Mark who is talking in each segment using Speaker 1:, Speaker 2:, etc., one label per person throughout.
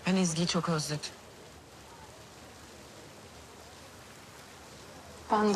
Speaker 1: Ben Ezgi'yi çok özledim.
Speaker 2: Ben de.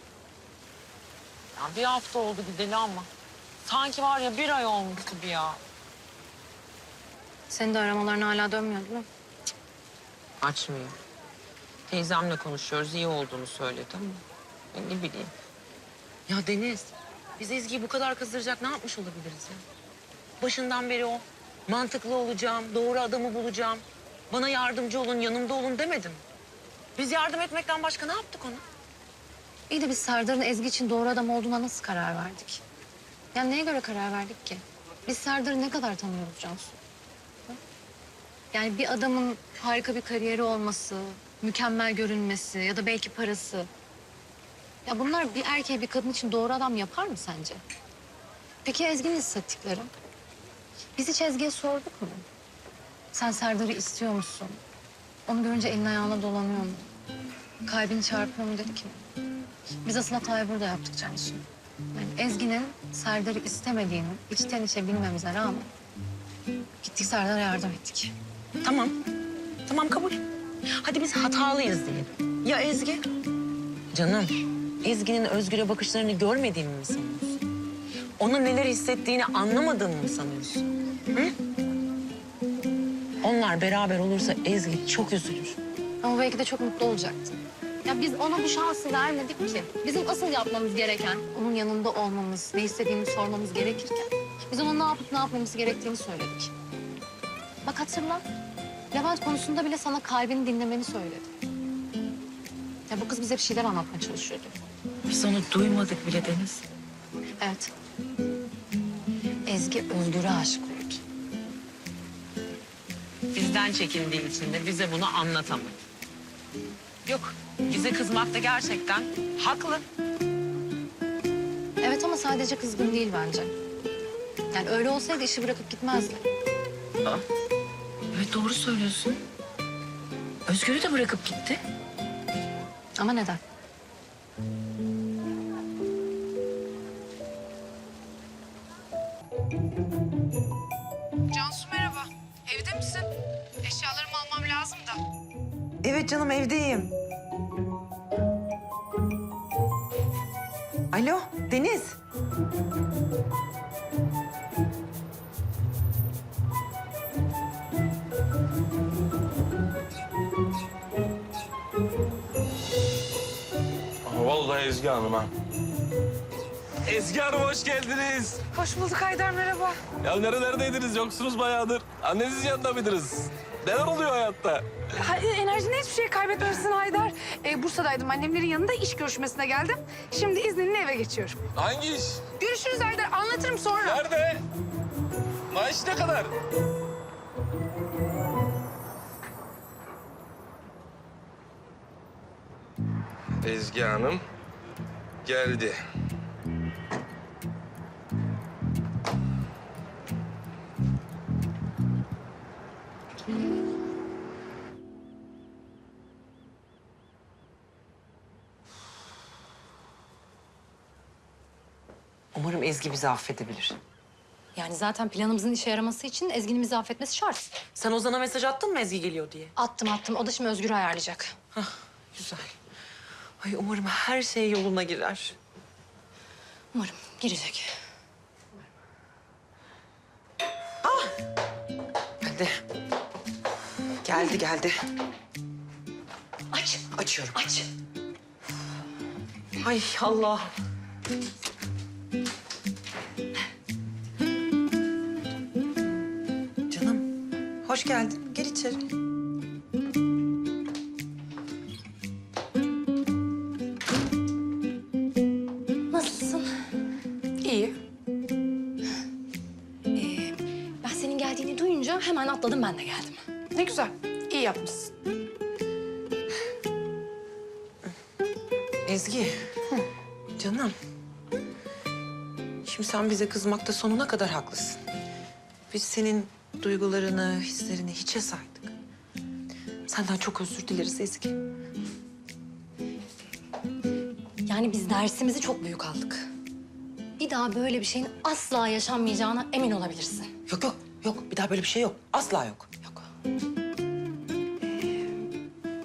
Speaker 1: Ya bir hafta oldu gideli ama. Sanki var ya 1 ay olmuş gibi ya.
Speaker 2: Senin de aramaların hala dönmüyor değil mi?
Speaker 1: Açmıyor. Teyzemle konuşuyoruz, iyi olduğunu söyledi ama ben ne bileyim. Ya Deniz, biz Ezgi'yi bu kadar kızdıracak ne yapmış olabiliriz ya? Başından beri o mantıklı olacağım, doğru adamı bulacağım. Bana yardımcı olun, yanımda olun demedim. Biz yardım etmekten başka ne yaptık ona?
Speaker 2: İyi de biz Serdar'ın Ezgi için doğru adam olduğuna nasıl karar verdik? Yani neye göre karar verdik ki? Biz Serdar'ı ne kadar tanıyoruz Cansu? Hı? Yani bir adamın harika bir kariyeri olması, mükemmel görünmesi ya da belki parası. Ya bunlar bir erkeği bir kadın için doğru adam yapar mı sence? Peki Ezgi'nin hissettikleri? Biz hiç Ezgi'ye sorduk mu? Sen Serdar'ı istiyor musun? Onu görünce elin ayağına dolanıyor mu? Kalbini çarpıyor mu dedik mi? Biz asıl hatayı burada yaptık Cansu. Yani Ezgi'nin Serdar'ı istemediğini içten içe bilmemize rağmen gittik Serdar'a yardım ettik.
Speaker 1: Tamam, tamam kabul. Hadi biz hatalıyız diyelim. Ya Ezgi? Canım, Ezgi'nin Özgür'e bakışlarını görmediğini mi sanıyorsun? Ona neler hissettiğini anlamadığını mı sanıyorsun? Hı? Onlar beraber olursa Ezgi çok üzülür.
Speaker 2: Ama belki de çok mutlu olacaktı. Ya biz ona bu şansı vermedik ki. Bizim asıl yapmamız gereken onun yanında olmamız, ne istediğini sormamız gerekirken biz ona ne yapıp ne yapmamız gerektiğini söyledik. Bak hatırla. Levent konusunda bile sana kalbini dinlemeni söyledi. Ya bu kız bize bir şeyler anlatmaya çalışıyordu.
Speaker 1: Biz onu duymadık bile Deniz.
Speaker 2: Evet. Ezgi Özgür'e aşık oldu.
Speaker 1: Bizden çekindiği için de bize bunu anlatamadı. Yok, bize kızmakta gerçekten haklı.
Speaker 2: Evet ama sadece kızgın değil bence. Yani öyle olsaydı işi bırakıp gitmezdi.
Speaker 1: Evet doğru söylüyorsun. Özgür'ü de bırakıp gitti.
Speaker 2: Ama neden?
Speaker 3: Cansu merhaba. Evde misin? Eşyalarımı almam lazım da.
Speaker 4: Evet canım evdeyim. Alo Deniz.
Speaker 5: Vallahi Ezgi Hanım ha. Ezgi Hanım hoş geldiniz.
Speaker 3: Hoş bulduk Haydar merhaba.
Speaker 5: Ya nerelerdeydiniz? Yoksunuz bayağıdır. Annenizin yanında mıydınız? Neler oluyor hayatta?
Speaker 3: Enerjini hiçbir şey kaybetmemişsin Haydar. Bursa'daydım annemlerin yanında iş görüşmesine geldim. Şimdi izninle eve geçiyorum.
Speaker 5: Hangi iş?
Speaker 3: Görüşürüz Haydar anlatırım sonra.
Speaker 5: Nerede? Maaş ne kadar? Ezgi Hanım geldi.
Speaker 1: Umarım Ezgi bizi affedebilir.
Speaker 2: Yani zaten planımızın işe yaraması için Ezgi'nin bizi affetmesi şart.
Speaker 1: Sen Ozan'a mesaj attın mı Ezgi geliyor diye?
Speaker 2: Attım. O da şimdi Özgür'ü ayarlayacak.
Speaker 1: Güzel. Ay umarım her şey yoluna girer.
Speaker 2: Umarım girecek.
Speaker 1: Geldi. Geldi.
Speaker 2: Aç.
Speaker 1: Açıyorum.
Speaker 2: Aç.
Speaker 1: Ay Allah. Canım, hoş geldin. Gel içeri.
Speaker 2: Nasılsın?
Speaker 3: İyi.
Speaker 2: Ben senin geldiğini duyunca hemen atladım ben de geldim.
Speaker 3: Ne güzel. İyi yapmışsın.
Speaker 1: Ezgi. Canım. Şimdi sen bize kızmakta sonuna kadar haklısın. Biz senin duygularını, hislerini hiçe saydık. Senden çok özür dileriz Ezgi.
Speaker 2: Yani biz dersimizi çok büyük aldık. Bir daha böyle bir şeyin asla yaşanmayacağına emin olabilirsin.
Speaker 1: Yok. Bir daha böyle bir şey yok. Asla yok.
Speaker 2: Yok.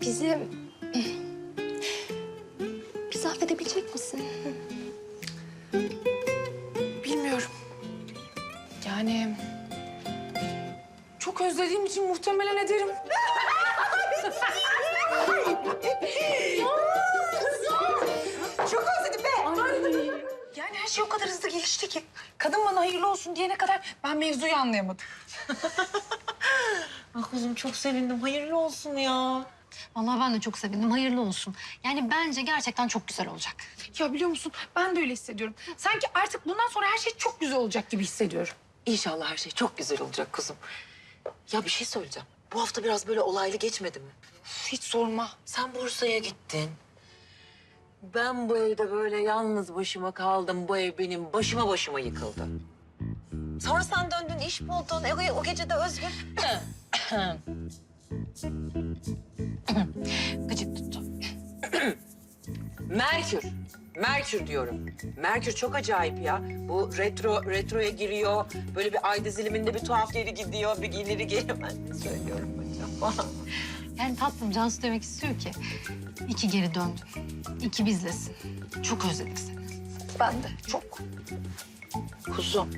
Speaker 2: Bizi affedebilecek misin?
Speaker 3: Bilmiyorum. Yani çok özlediğim için muhtemelen ederim.
Speaker 4: Çok özledim be.
Speaker 3: Yani her şey o kadar hızlı gelişti ki. Kadın bana hayırlı olsun diyene kadar ben mevzuyu anlayamadım.
Speaker 1: Ah kuzum çok sevindim. Hayırlı olsun ya.
Speaker 2: Vallahi ben de çok sevindim. Hayırlı olsun. Yani bence gerçekten çok güzel olacak.
Speaker 3: Ya biliyor musun ben de öyle hissediyorum. Sanki artık bundan sonra her şey çok güzel olacak gibi hissediyorum.
Speaker 1: İnşallah her şey çok güzel olacak kuzum. Ya bir şey söyleyeceğim. Bu hafta biraz böyle olaylı geçmedi mi?
Speaker 3: Hiç sorma.
Speaker 1: Sen Bursa'ya gittin. Ben bu evde böyle yalnız başıma kaldım. Bu ev benim başıma yıkıldı. Sonra sen döndün, iş buldun. O gece de Özgür.
Speaker 2: Gıcık tuttu.
Speaker 1: Merkür diyorum. Merkür çok acayip ya. Bu retroya giriyor. Böyle bir ay diziliminde bir tuhaf geri gidiyor, bir ileri geliyor. Ben ne söylüyorum acaba?
Speaker 2: Yani tatlım Cansu demek istiyor ki iki geri döndün. İki bizlesin. Çok özledik seni.
Speaker 3: Ben de çok.
Speaker 1: Kuzum.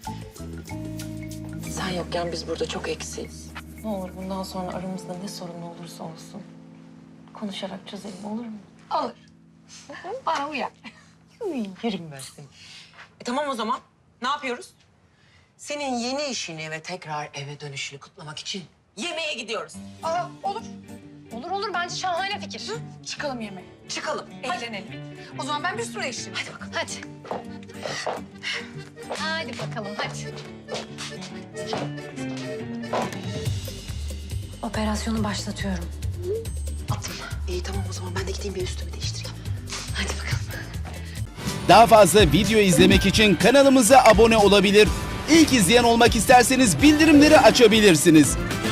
Speaker 1: Sen yokken biz burada çok eksiyiz. Ne olur bundan sonra aramızda ne sorun olursa olsun konuşarak çözelim, olur mu?
Speaker 3: Olur. Bana uyar.
Speaker 1: Yerim ben seni. Tamam o zaman. Ne yapıyoruz? Senin yeni işini ve tekrar eve dönüşünü kutlamak için yemeğe gidiyoruz.
Speaker 3: Aa, olur.
Speaker 2: Olur bence şahane fikir.
Speaker 3: Çıkalım yemeğe.
Speaker 1: Çıkalım.
Speaker 3: Eğlenelim. O zaman ben bir üstüme değiştireyim.
Speaker 1: Hadi bakalım.
Speaker 2: Hadi. Hadi bakalım hadi. Operasyonu başlatıyorum.
Speaker 1: Attım. İyi tamam o zaman ben de gideyim bir üstümü değiştireyim.
Speaker 2: Hadi bakalım.
Speaker 6: Daha fazla video izlemek için kanalımıza abone olabilir. İlk izleyen olmak isterseniz bildirimleri açabilirsiniz.